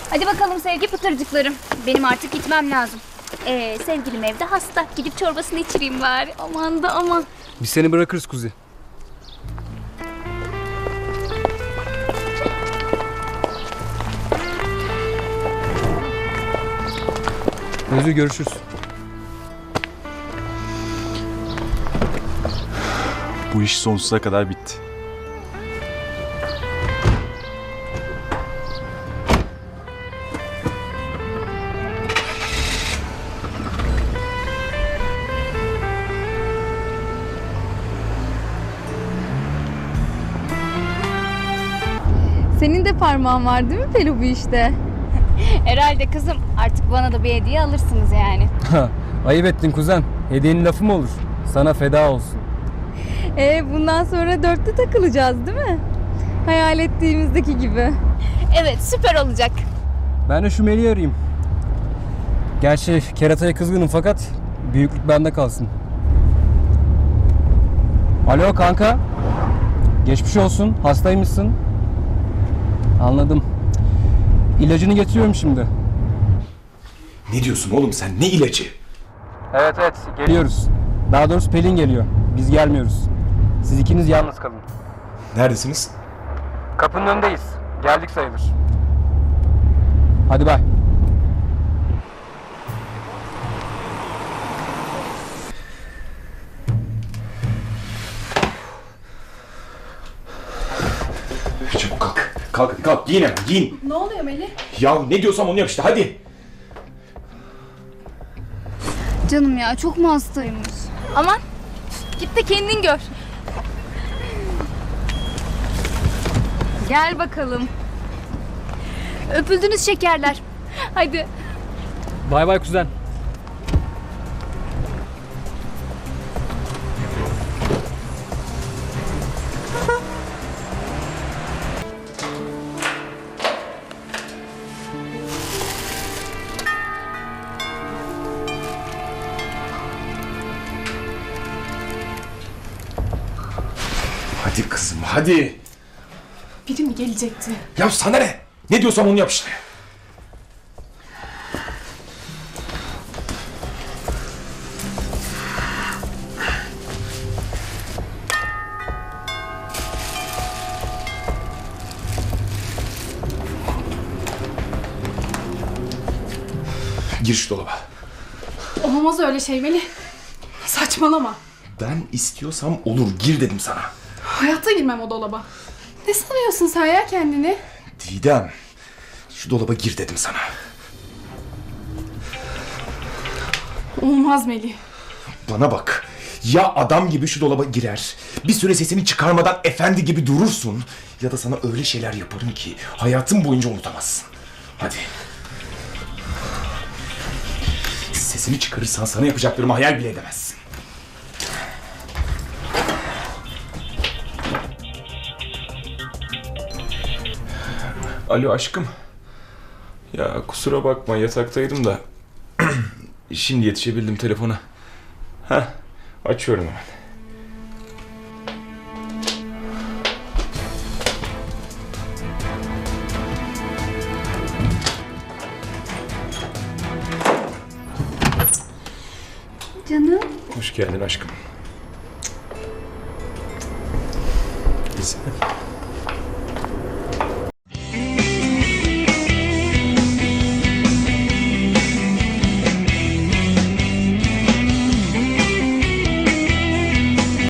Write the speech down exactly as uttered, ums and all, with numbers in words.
Hadi bakalım sevgi pıtırcıklarım. Benim artık gitmem lazım. Ee, sevgilim evde hasta. Gidip çorbasını içireyim bari. Aman da aman. Biz seni bırakırız Kuzi. Özgür, görüşürüz. Bu iş sonsuza kadar bitti. Senin de parmağın var değil mi Pelu bu işte? Herhalde kızım. Artık bana da bir hediye alırsınız yani. Ayıp ettin kuzen. Hediyenin lafı mı olur? Sana feda olsun. Ee, bundan sonra dörtlü takılacağız değil mi? Hayal ettiğimizdeki gibi. Evet, süper olacak. Ben de şu Melih'i arayayım. Gerçi kerataya kızgınım fakat büyüklük bende kalsın. Alo kanka. Geçmiş olsun. Hastaymışsın. Anladım. İlacını getiriyorum şimdi. Ne diyorsun oğlum sen? Ne ilacı? Evet evet geliyoruz. Daha doğrusu Pelin geliyor. Biz gelmiyoruz. Siz ikiniz yalnız kalın. Neredesiniz? Kapının önündeyiz. Geldik sayılır. Hadi bay. Çabuk kalk. Kalk hadi kalk. Giyin hemen giyin. Ne oluyor Melih? Ya ne diyorsam onu yap işte hadi. Canım ya, çok mu hastaymış? Aman, git de kendin gör. Gel bakalım. Öpüldünüz şekerler. Hadi. Bay bay kuzen. Hadi kızım hadi. Biri mi gelecekti? Ya sana ne? Ne diyorsam onu yap işte. Gir şu dolaba. Olmaz öyle şey Melih. Saçmalama. Ben istiyorsam olur. Gir dedim sana. Hayatta girmem o dolaba. Ne sanıyorsun sen ya kendini? Didem. Şu dolaba gir dedim sana. Olmaz Melih. Bana bak. Ya adam gibi şu dolaba girer, bir süre sesini çıkarmadan efendi gibi durursun, ya da sana öyle şeyler yaparım ki hayatın boyunca unutamazsın. Hadi. Sesini çıkarırsan sana yapacaklarımı hayal bile edemezsin. Alo aşkım. Ya kusura bakma yataktaydım da şimdi yetişebildim telefona. Heh, açıyorum hemen. Canım. Hoş geldin aşkım.